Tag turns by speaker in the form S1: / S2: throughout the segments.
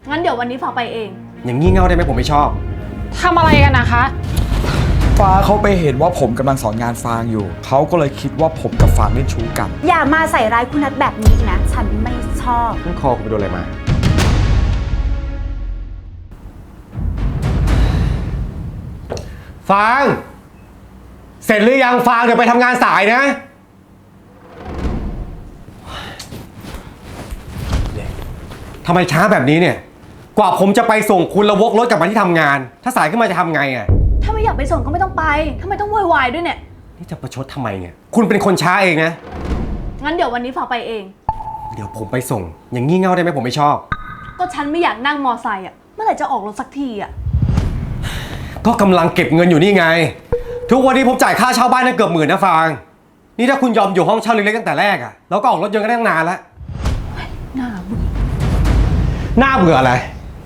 S1: งั้นเดี๋ยววันนี้ฝากไปเอง
S2: อย่างงี่เง่าได้ไหมผมไม่ชอบ
S3: ทำอะไรกันนะคะ
S4: ฟ้าเขาไปเห็นว่าผมกำลังสอนงานฟางอยู่เขาก็เลยคิดว่าผมกับฟางเล่นชู้กัน
S5: อย่ามาใส่ร้ายคุณนัทแบบนี้อีกนะฉันไม่ชอบ
S2: นั่นคอคุณไปโดนอะไรมา ฟาง เสร็จหรือยังฟางเดี๋ยวไปทำงานสายนะทำไมช้าแบบนี้เนี่ย กว่าผมจะไปส่งคุณระวกรถกลับมาที่ทำงาน ถ้าสายขึ้นมาจะทำไงอ่ะ
S1: ถ้าไม่อยากไปส่งก็ไม่ต้องไปทำไมต้องโวยวายด้วยเนี่ย
S2: นี่จะประชดทำไมเนี่ย คุณเป็นคนช้าเองนะ
S1: งั้นเดี๋ยววันนี้ฝากไปเอง
S2: เดี๋ยวผมไปส่ง อย่างงี่เง่าได้ไหมผมไม่ชอบ
S1: ก็ฉันไม่อยากนั่งมอไซค์อ่ะ เมื่อไหร่จะออกรถสักทีอ่ะ
S2: ก็กำลังเก็บเงินอยู่นี่ไง ทุกวันนี้ผมจ่ายค่าเช่าบ้านได้เกือบ10,000นะฟาง นี่ถ้าคุณยอมอยู่ห้องเช่าเล็กๆตั้งแต่แรกอะเราก็ออกรถยนต์กันได้ตั้งนานแล้ว
S1: น่าเบื่อ
S2: หน้าเบื่ออะไร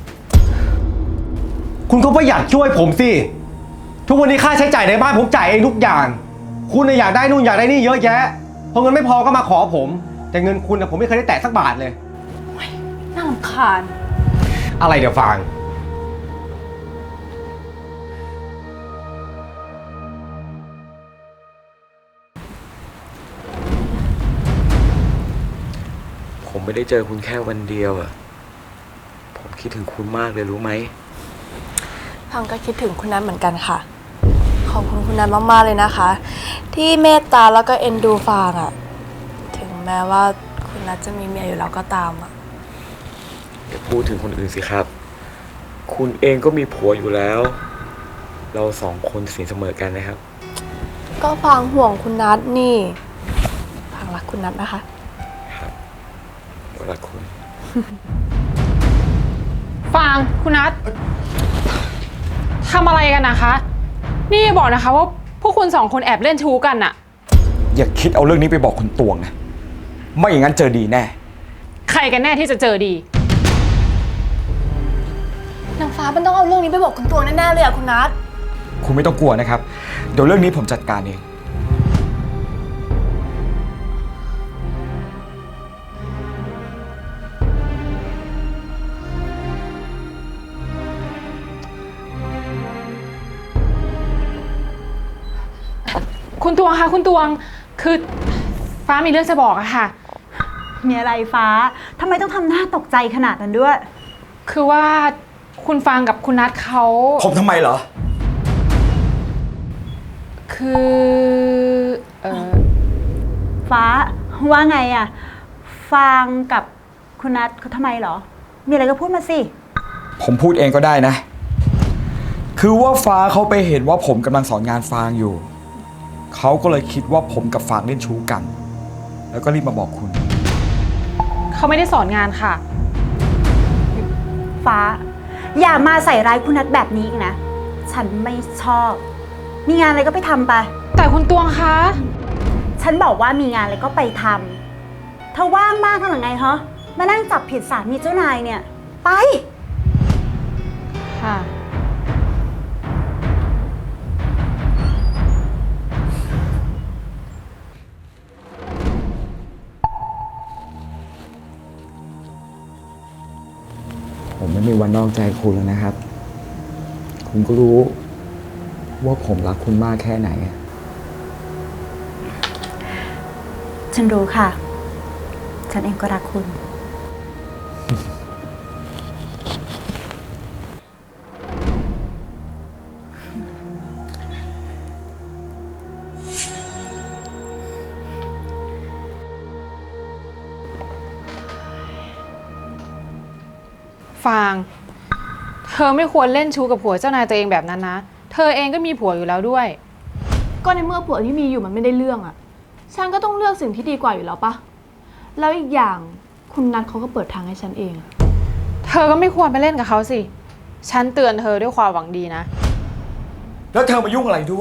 S2: คุณก็ประหยัดช่วยผมสิ ทุกวันนี้ค่าใช้จ่ายในบ้านผมจ่ายเองทุกอย่าง คุณอยากได้นู่นอยากได้นี่เยอะแยะ พอเงินไม่พอก็มาขอผม แต่เงินคุณผมไม่เคยได้แตะสักบาทเลย
S1: น่ารำคาญ
S2: อะไรเดี๋ยวฟาง
S6: ผมไม่ได้เจอคุณแค่วันเดียวอะผมคิดถึงคุณมากเลยรู้ไหม
S7: ฟังก็คิดถึงคุณนัทเหมือนกันค่ะ ขอบคุณคุณนัทมากๆเลยนะคะ ที่เมตตาแล้วก็เอ็นดูฟางอะถึงแม้ว่าคุณนัทจะมีเมียอยู่แล้วก็ตามอะ
S6: อย่าพูดถึงคนอื่นสิครับ คุณเองก็มีผัวอยู่แล้ว เราสองคนสินเสมอกันนะครับ
S7: ก็ฟางห่วงคุณนัทนี่ฟางรักคุณนัทนะคะ
S6: ครับรักคุณ
S3: ฟางคุณนัททำอะไรกันนะคะ นี่อย่าบอกนะคะว่าพวกคุณสองคนแอบเล่นชู้กันอะ
S4: อย่าคิดเอาเรื่องนี้ไปบอกคุณตวงนะไม่อย่างนั้นเจอดีแน่
S3: ใครกันแน่ที่จะเจอดี
S7: นางฟ้ามันต้องเอาเรื่องนี้ไปบอกคุณตวงแน่ๆเลยอะคุณนัท
S4: คุณไม่ต้องกลัวนะครับเดี๋ยวเรื่องนี้ผมจัดการเอง
S3: คุณตวงคะคุณตวงคือฟ้ามีเรื่องจะบอกอะค่ะ
S5: มีอะไรฟ้าทำไมต้องทำหน้าตกใจขนาดนั้นด้วย
S3: คือว่าคุณฟางกับคุณนัทเขา
S4: ผมทำไมเหรอ
S3: คือ
S5: ฟ้าว่าไงอะฟางกับคุณนัทเขาทำไมเหรอ มีอะไรก็พูดมาสิ
S4: ผมพูดเองก็ได้นะ คือว่าฟ้าเขาไปเห็นว่าผมกำลังสอนงานฟางอยู่เขาก็เลยคิดว่าผมกับฟางเล่นชู้กัน แล้วก็รีบมาบอกคุณ
S3: เขาไม่ได้สอนงานค่ะ
S5: ฟ้า อย่ามาใส่ร้ายคุณนัทแบบนี้อีกนะ ฉันไม่ชอบ มีงานอะไรก็ไปทำไป
S3: แต่คุณตวงคะ
S5: ฉันบอกว่ามีงานอะไรก็ไปทำเธอว่างมากขนาดไงฮะมานั่งจับผิดสามีเจ้านายเนี่ย ไป
S3: ค่ะ
S4: ผมไม่มีวันนอกใจคุณแล้วนะครับ คุณก็รู้ว่าผมรักคุณมากแค่ไหน
S5: ฉันรู้ค่ะ ฉันเองก็รักคุณ
S3: ฟาง เธอไม่ควรเล่นชู้กับผัวเจ้านายตัวเองแบบนั้นนะ เธอเองก็มีผัวอยู่แล้วด้วย
S1: ก็ในเมื่อผัวที่มีอยู่มันไม่ได้เรื่องอ่ะ ฉันก็ต้องเลือกสิ่งที่ดีกว่าอยู่แล้วปะแล้วอีกอย่างคุณนัทเขาก็เปิดทางให้ฉันเอง
S3: เธอก็ไม่ควรไปเล่นกับเขาสิ ฉันเตือนเธอด้วยความหวังดีนะ
S4: แล้วเธอมายุ่งอะไรด้วย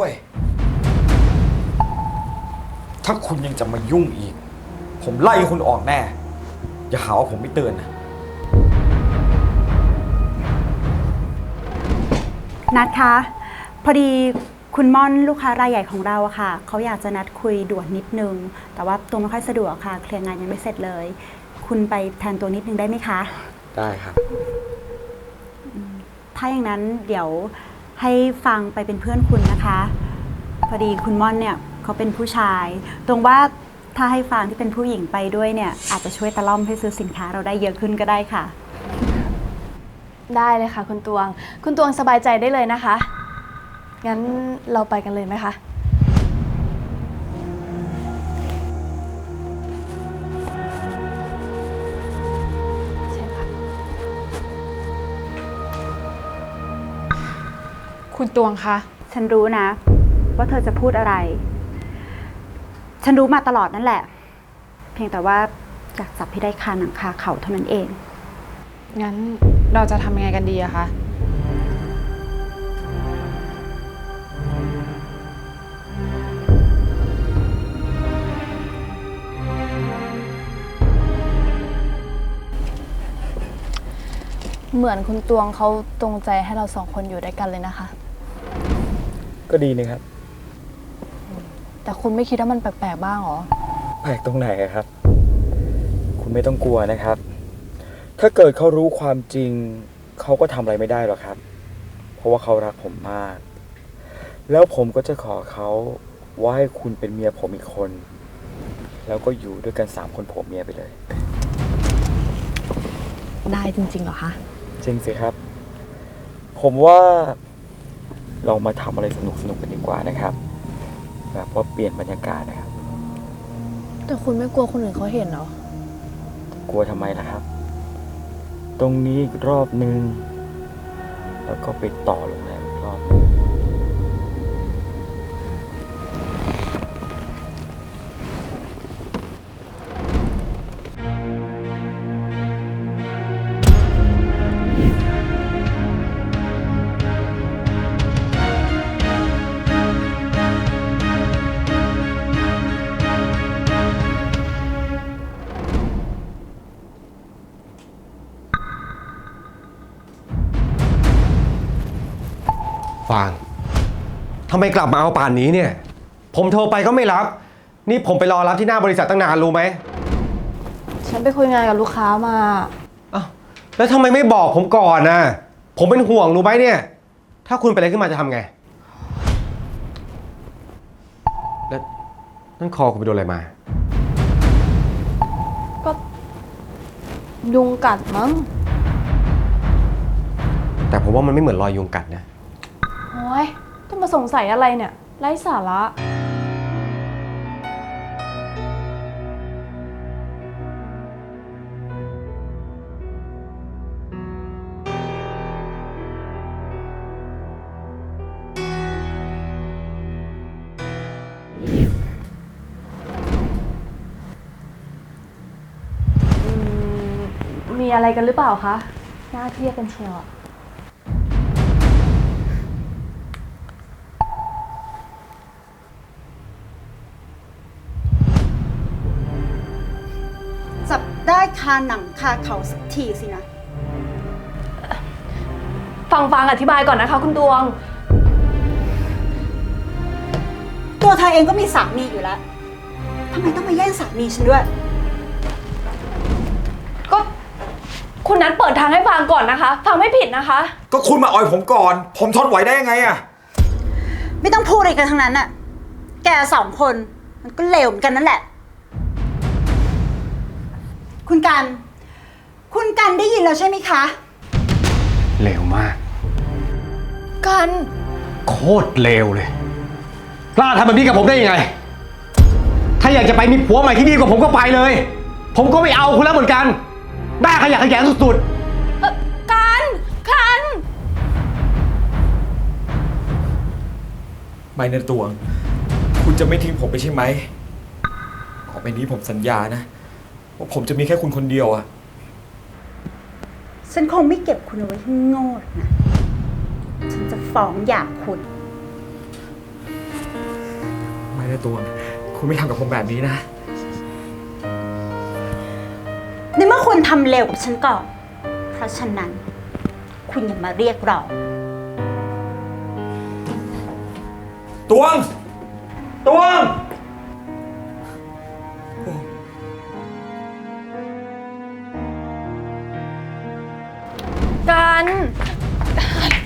S4: ถ้าคุณยังจะมายุ่งอีก ผมไล่คุณออกแน่ อย่าหาว่าผมไม่เตือนนะ
S5: นัดคะ พอดีคุณม่อนลูกค้ารายใหญ่ของเราอะค่ะเขาอยากจะนัดคุยด่วนนิดนึง แต่ว่าตัวไม่ค่อยสะดวกค่ะ เคลียร์งานยังไม่เสร็จเลย คุณไปแทนตัวนิดนึงได้ไหมคะ
S6: ได้ครับ
S5: ถ้าอย่างนั้นเดี๋ยวให้ฟังไปเป็นเพื่อนคุณนะคะ พอดีคุณม่อนเนี่ยเขาเป็นผู้ชาย ตรงว่าถ้าให้ฟังที่เป็นผู้หญิงไปด้วยเนี่ยอาจจะช่วยตะล่อมให้ซื้อสินค้าเราได้เยอะขึ้นก็ได้ค่ะ
S1: ได้เลยค่ะคุณตวง คุณตวงสบายใจได้เลยนะคะ งั้นเราไปกันเลยไหมคะ ใช่ค่ะ
S3: คุณตวงคะ
S5: ฉันรู้นะ ว่าเธอจะพูดอะไร ฉันรู้มาตลอดนั่นแหละ เพียงแต่ว่าอยากจับให้ได้คาหนังคาเขาเท่านั้นเอง
S3: งั้นเราจะทำยังไงกันดีอะคะ
S1: เหมือนคุณตวงเขาตรงใจให้เราสองคนอยู่ด้วยกันเลยนะคะ
S6: ก็ดีนะครับ
S1: แต่คุณไม่คิดว่ามันแปลกๆบ้างเหรอ
S6: แปลกตรงไหนอะครับ คุณไม่ต้องกลัวนะครับ ถ้าเกิดเขารู้ความจริง เขาก็ทำอะไรไม่ได้หรอกครับ เพราะว่าเขารักผมมาก แล้วผมก็จะขอเขาว่าให้คุณเป็นเมียผมอีกคน แล้วก็อยู่ด้วยกัน3 คนผัวเมียไปเลย
S1: ได้จริงๆเหรอคะ
S6: จริงสิครับ ผมว่าเรามาทำอะไรสนุกๆกันดีกว่านะครับ แบบว่าเปลี่ยนบรรยากาศนะครับ
S1: แต่คุณไม่กลัวคนอื่นเขาเห็นเหรอ
S6: กลัวทำไมล่ะครับ ตรงนี้อีกรอบนึง แล้วก็ไปต่อโรงแรมอีกรอบนึง
S2: ฟางทำไมกลับมาเอาป่านนี้เนี่ย ผมโทรไปก็ไม่รับ นี่ผมไปรอรับที่หน้าบริษัทตั้งนานรู้ไหม
S1: ฉันไปคุยงานกับลูกค้ามา
S2: อ้าวแล้วทำไมไม่บอกผมก่อนนะผมเป็นห่วงรู้ไหมเนี่ย ถ้าคุณเป็นอะไรขึ้นมาจะทำไง แล้วนั่นคอคุณไปโดนอะไรมา
S1: ก็ยุงกัดมั้ง
S2: แต่ผมว่ามันไม่เหมือนรอยยุงกัดนะ
S1: โอ้ยต้องมาสงสัยอะไรเนี่ย ไร้สาระ มีอะไรกันหรือเปล่าคะ น่าเครียดกันเชียวอะ
S5: จับได้คาหนังคาเขาสักทีสินะ
S1: ฟังอธิบายก่อนนะคะคุณตวง
S5: ตัวเธอเองก็มีสามีอยู่แล้วทำไมต้องมาแย่งสามีฉันด้วย
S1: ก็คุณนัทเปิดทางให้ฟังก่อนนะคะ ฟังไม่ผิดนะคะ
S4: ก็คุณมาอ่อยผมก่อน ผมทนไหวได้ยังไงอะ
S5: ไม่ต้องพูดอะไรกันทั้งนั้นน่ะ แก2 คนมันก็เลวเหมือนกันนั่นแหละ คุณกันได้ยินแล้วใช่ไหมคะ
S2: เลวมาก
S1: กัน
S2: โคตรเลวเลย กล้าทำแบบนี้กับผมได้ยังไง ถ้าอยากจะไปมีผัวใหม่ที่ดีกว่าผมก็ไปเลย ผมก็ไม่เอาคุณแล้วเหมือนกันหน้าขยะแขยงสุดๆ
S1: กัน
S4: ไม่นะตวง คุณจะไม่ทิ้งผมไปใช่ไหมต่อไปนี้ผมสัญญานะว่าผมจะมีแค่คุณคนเดียวอะ
S5: ฉันคงไม่เก็บคุณเอาไว้ให้โง่หรอกนะ ฉันจะฟ้องหย่าคุณ
S4: ไม่นะตวง คุณไม่ทำกับผมแบบนี้นะ
S5: ในเมื่อคุณทำเร็วกว่าฉันก่อน เพราะฉะนั้น คุณอย่ามาเรียกร้อง
S4: ตวง ตวง
S1: กัน
S3: อะไร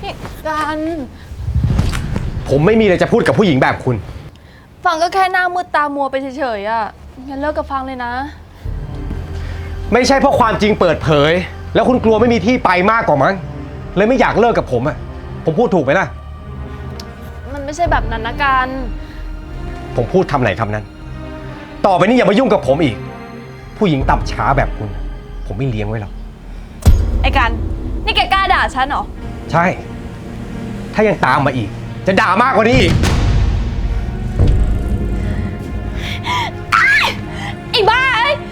S1: นี่กัน
S2: ผมไม่มีอะไรจะพูดกับผู้หญิงแบบคุณ
S1: ฟังก็แค่หน้ามืดตามัวไปเฉยๆอะงั้นเลิกกับฟังเลยนะ
S2: ไม่ใช่เพราะความจริงเปิดเผย แล้วคุณกลัวไม่มีที่ไปมากกว่ามั้งเลยไม่อยากเลิกกับผมอะผมพูดถูกไหมล่ะ
S1: มันไม่ใช่แบบนั้นนะกัน
S2: ผมพูดคำไหนคำนั้น ต่อไปนี้อย่ามายุ่งกับผมอีก ผู้หญิงต่ำช้าแบบคุณ ผมไม่เลี้ยงไว้หรอก
S1: ไอ้กัน นี่แกกล้าด่าฉันเหรอ
S2: ใช่ ถ้ายังตามมาอีก จะด่ามากกว่านี้อีก
S1: ไอ้บ้าเอ้ย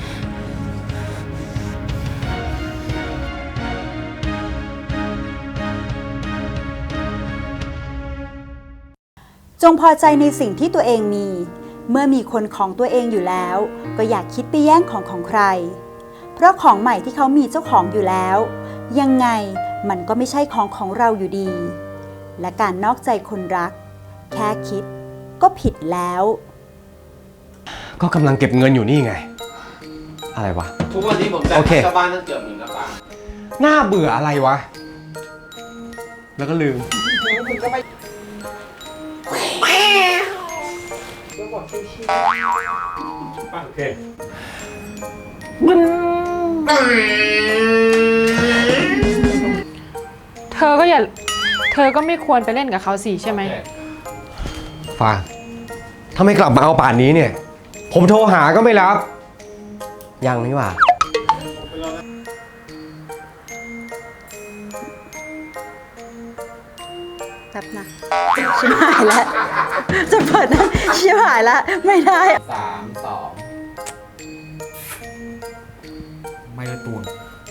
S5: จงพอใจในสิ่งที่ตัวเองมี เมื่อมีคนของตัวเองอยู่แล้ว ก็อย่าคิดไปแย่งของใคร เพราะของใหม่ที่เขามีเจ้าของอยู่แล้ว ยังไงมันก็ไม่ใช่ของเราอยู่ดี และการนอกใจคนรัก แค่คิดก็ผิดแล้ว
S2: ก็กำลังเก็บเงินอยู่นี่ไง อะไรวะ
S8: ทุกวันนี้ผมจ่าย
S2: โอเค
S8: ค่าเช่าบ้านตั้งเกือบ10,000แล้วป้า
S2: น่าเบื่ออะไรวะ แล้วก็ลืม โอเค
S3: เธอก็ไม่ควรไปเล่นกับเขาสิใช่ไหม
S2: ฟางถ้าไม่กลับมาเอาป่านนี้เนี่ย ผมโทรหาก็ไม่รับ ยังนี่หว่า
S5: แป๊บนะชิบหายแล้ว จะเปิดนะชิบหายแล้ว ไม่ได้
S8: 3 2
S4: ไม่ละตูน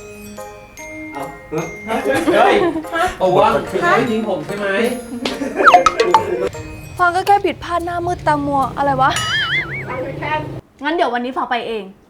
S8: เฮ้ยโอ้วะคือไม่ทิ้งผมใช่ไหม
S1: ฟังก็แค่ผิดพลาดหน้ามืดตามัวอะไรวะ งั้นเดี๋ยววันนี้ฟังไปเอง